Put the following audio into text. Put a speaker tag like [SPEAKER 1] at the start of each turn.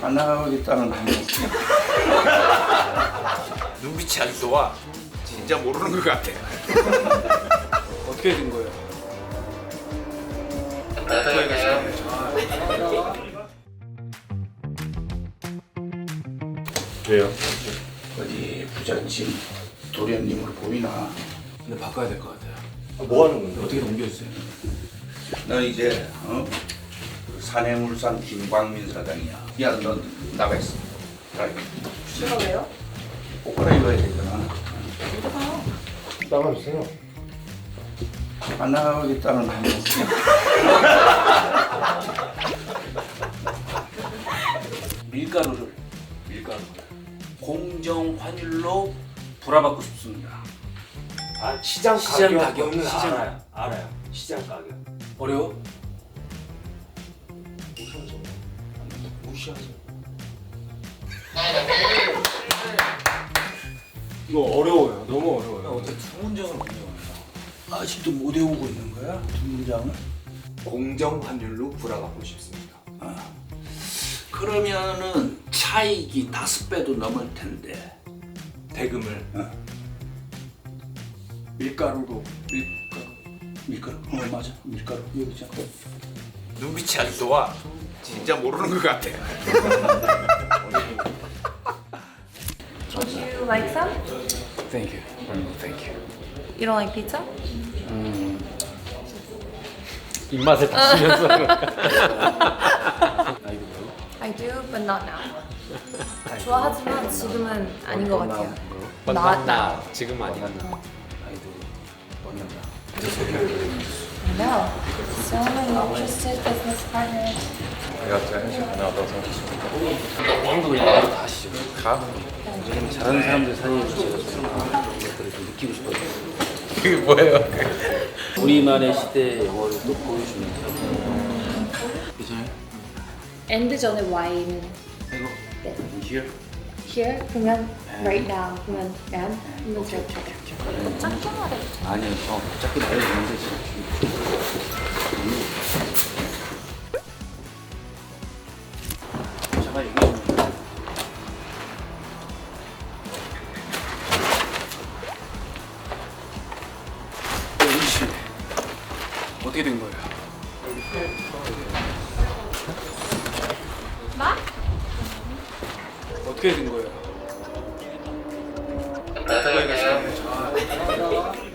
[SPEAKER 1] 안 나가겠다는 거.
[SPEAKER 2] 눈빛이 아직도 와. 진짜 모르는 것 같아.
[SPEAKER 3] 어떻게 된 거예요?
[SPEAKER 4] 왜요?
[SPEAKER 1] 어디 부잣집 도련님으로 보이나?
[SPEAKER 3] 근데 바꿔야 될 것 같아요.
[SPEAKER 4] 뭐 하는 건데?
[SPEAKER 3] 어떻게 넘겨주세요?
[SPEAKER 1] 너 이제 그 산해물산 김광민 사장이야. 야, 너 나가 있어.
[SPEAKER 5] 제가 왜요?
[SPEAKER 1] 옷 갈아입어야 되잖아.
[SPEAKER 4] 나가주세요.
[SPEAKER 1] 안 나가겠다는 거. 밀가루를 공정 환율로 불화받고 싶습니다.
[SPEAKER 4] 아 시장
[SPEAKER 3] 시장 가격,
[SPEAKER 4] 가격은
[SPEAKER 3] 시장.
[SPEAKER 4] 알아요. 시장 가격.
[SPEAKER 3] 어려워?
[SPEAKER 4] 무시하죠.
[SPEAKER 3] 이거 어려워요. 너무 어려워요.
[SPEAKER 1] 어떻게 두 문장을 못 외워요? 아직도 못 외우고 있는 거야? 두 문장을?
[SPEAKER 4] 공정 환율로 불화받고 싶습니다.
[SPEAKER 1] 그러면은 차익이 5배도 넘을 텐데
[SPEAKER 4] 대금을
[SPEAKER 1] 밀가루로 밀가루 맞아 밀가루 여기 있잖아.
[SPEAKER 2] 눈빛이 아직도 와. 진짜 모르는 것 같아.
[SPEAKER 5] Would you like some?
[SPEAKER 3] Thank you. Thank you.
[SPEAKER 5] You don't like pizza?
[SPEAKER 3] 입맛에 다시면서.
[SPEAKER 5] I do, but not now. 좋아하지만 지금은 아닌 것 같아요.
[SPEAKER 3] But
[SPEAKER 5] Not
[SPEAKER 3] not now. 지금 아니야.
[SPEAKER 5] No. So many interested business partners.
[SPEAKER 3] 왕도 그냥 바로 가시죠. 가. 요즘 잘하는 사람들 사이에서 제가 좀 그런 것들을 좀 느끼고 싶어요.
[SPEAKER 2] 그게 뭐예요?
[SPEAKER 3] 우리만의 시대의 영어를 또 보여주면서. 괜찮아요?
[SPEAKER 5] 엔드 전에 와인.
[SPEAKER 3] 이거. Here.
[SPEAKER 5] Here 그러면 right now 그러면 and 그러면 저렇게. 짧게 말해.
[SPEAKER 3] 아니요. 짧게 말해주는데 지금. 잠깐 얘기 좀. 씨 어떻게 된 거예요?
[SPEAKER 5] 나?
[SPEAKER 3] 어떻게 된 거예요?